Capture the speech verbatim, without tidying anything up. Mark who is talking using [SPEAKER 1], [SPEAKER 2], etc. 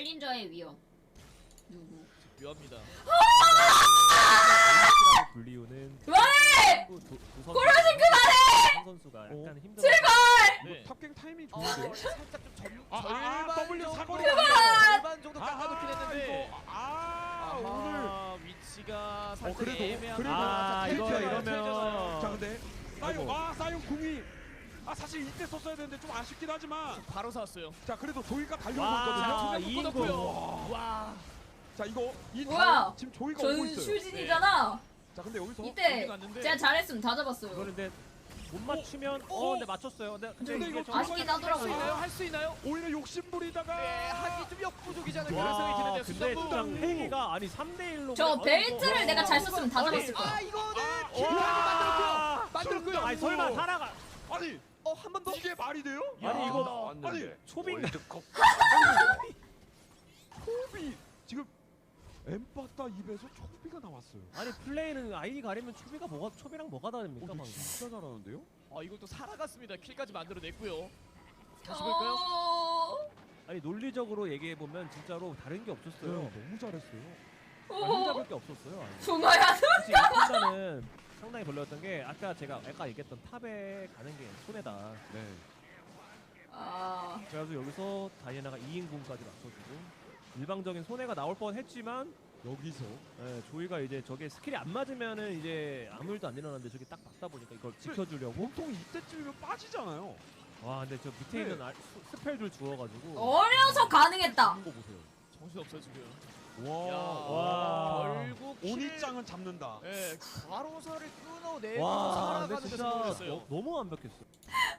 [SPEAKER 1] 챌린저의 위험. 누구?
[SPEAKER 2] 묘합니다.
[SPEAKER 3] 불리우는
[SPEAKER 1] 그만해!
[SPEAKER 3] 고려신
[SPEAKER 1] 그만해!
[SPEAKER 3] 한 선수가 약간 힘들어.
[SPEAKER 1] 제발!
[SPEAKER 2] 네.
[SPEAKER 4] 탑갱 타이밍
[SPEAKER 2] 어,
[SPEAKER 4] 좋은데요?
[SPEAKER 2] 살짝 좀 점,
[SPEAKER 4] 아, 아,
[SPEAKER 2] 절반
[SPEAKER 4] 아, W
[SPEAKER 2] 정도,
[SPEAKER 4] 사거리
[SPEAKER 2] 절반 정도 깎아놓긴 했는데
[SPEAKER 4] 이거, 아, 오늘
[SPEAKER 2] 아하, 위치가 살짝
[SPEAKER 4] 그래도,
[SPEAKER 2] 애매한.
[SPEAKER 4] 그래도.
[SPEAKER 3] 아,
[SPEAKER 2] 자,
[SPEAKER 3] 이거
[SPEAKER 2] 텔제잖아요,
[SPEAKER 3] 이러면
[SPEAKER 2] 텔제잖아요.
[SPEAKER 4] 자 근데 사용
[SPEAKER 3] 아이고.
[SPEAKER 4] 아 사용 궁이 아 사실 이때 썼어야 되는데 좀 아쉽긴 하지만
[SPEAKER 2] 바로 샀어요.
[SPEAKER 4] 자 그래도 조이가 달려오고
[SPEAKER 3] 와,
[SPEAKER 4] 있거든요.
[SPEAKER 3] 이
[SPEAKER 2] 이
[SPEAKER 3] 인공.
[SPEAKER 2] 인공. 와.
[SPEAKER 4] 자 이거 이
[SPEAKER 1] 뭐야?
[SPEAKER 4] 다음 지금 조이가 오고
[SPEAKER 1] 전
[SPEAKER 4] 있어요.
[SPEAKER 1] 슈진이잖아.
[SPEAKER 4] 자 근데 여기서
[SPEAKER 1] 이때
[SPEAKER 2] 갔는데.
[SPEAKER 1] 제가 잘했으면 다 잡았어요.
[SPEAKER 3] 그런데 못 맞추면
[SPEAKER 4] 어?
[SPEAKER 3] 어, 근데 맞췄어요. 근데 근데
[SPEAKER 4] 근데
[SPEAKER 3] 이게
[SPEAKER 4] 이거
[SPEAKER 3] 좀
[SPEAKER 1] 아쉽긴
[SPEAKER 4] 들어가야
[SPEAKER 2] 할 수
[SPEAKER 1] 하더라고요.
[SPEAKER 2] 있나요? 할 수 있나요?
[SPEAKER 4] 오히려 욕심부리다가
[SPEAKER 2] 네, 하기 좀 역부족이잖아요. 그런
[SPEAKER 3] 와,
[SPEAKER 2] 생각이 드는데
[SPEAKER 3] 근데 진짜
[SPEAKER 2] 수정부.
[SPEAKER 3] 팽이가 아니 삼 대 일로
[SPEAKER 1] 저 벨트를 내가 잘 썼으면 다
[SPEAKER 2] 아니,
[SPEAKER 1] 잡았을 거야.
[SPEAKER 2] 아 이거는
[SPEAKER 4] 아,
[SPEAKER 2] 기회를
[SPEAKER 3] 와.
[SPEAKER 2] 만들었고요. 만들었고요.
[SPEAKER 3] 아니 설마 살아가
[SPEAKER 4] 아니
[SPEAKER 2] 어 한 번 더.
[SPEAKER 4] 이게 말이 돼요?
[SPEAKER 3] 아니, 이거
[SPEAKER 4] 아니
[SPEAKER 3] 초빙
[SPEAKER 4] 초비 지금 엠빠따 입에서 초비가 나왔어요.
[SPEAKER 3] 아니 플레이는 아이디 가리면 초비가 뭐가 초비랑 뭐가 다릅니까
[SPEAKER 4] 어,
[SPEAKER 3] 방금.
[SPEAKER 4] 진짜 잘하는데요?
[SPEAKER 2] 아 이걸 또 살아갔습니다. 킬까지 만들어냈고요. 다시 볼까요?
[SPEAKER 1] 어...
[SPEAKER 3] 아니 논리적으로 얘기해 보면 진짜로 다른 게 없었어요.
[SPEAKER 4] 너무 잘했어요.
[SPEAKER 3] 아, 혼잡을
[SPEAKER 1] 어...
[SPEAKER 3] 게 없었어요. 아니.
[SPEAKER 1] 붕어야.
[SPEAKER 3] 사실 이 판단은 상당히 별로였던 게 아까 제가 아까 얘기했던 탑에 가는 게 손해다.
[SPEAKER 4] 네.
[SPEAKER 1] 아...
[SPEAKER 3] 그래서 여기서 다이애나가 이 인공까지 맞춰주고 일방적인 손해가 나올 뻔했지만
[SPEAKER 4] 여기서
[SPEAKER 3] 예, 조이가 이제 저게 스킬이 안 맞으면은 이제 아무 일도 안 일어났는데 저게 딱 맞다 보니까 이걸 지켜주려고.
[SPEAKER 4] 보통 이때쯤이면 빠지잖아요.
[SPEAKER 3] 와 근데 저 밑에
[SPEAKER 4] 네.
[SPEAKER 3] 있는 알, 스- 스펠들 주워가지고
[SPEAKER 1] 어려서 가능했다.
[SPEAKER 3] 하는 거 보세요.
[SPEAKER 2] 정신 없어요 지금.
[SPEAKER 4] 와.
[SPEAKER 2] 야,
[SPEAKER 3] 와.
[SPEAKER 2] 결국 킬-
[SPEAKER 4] 오니짱은 잡는다.
[SPEAKER 2] 예, 바로사를 끊어내면서
[SPEAKER 3] 와 근데
[SPEAKER 2] 살아가는 데
[SPEAKER 3] 진짜
[SPEAKER 2] 성공했어요.
[SPEAKER 3] 너, 너무 완벽했어.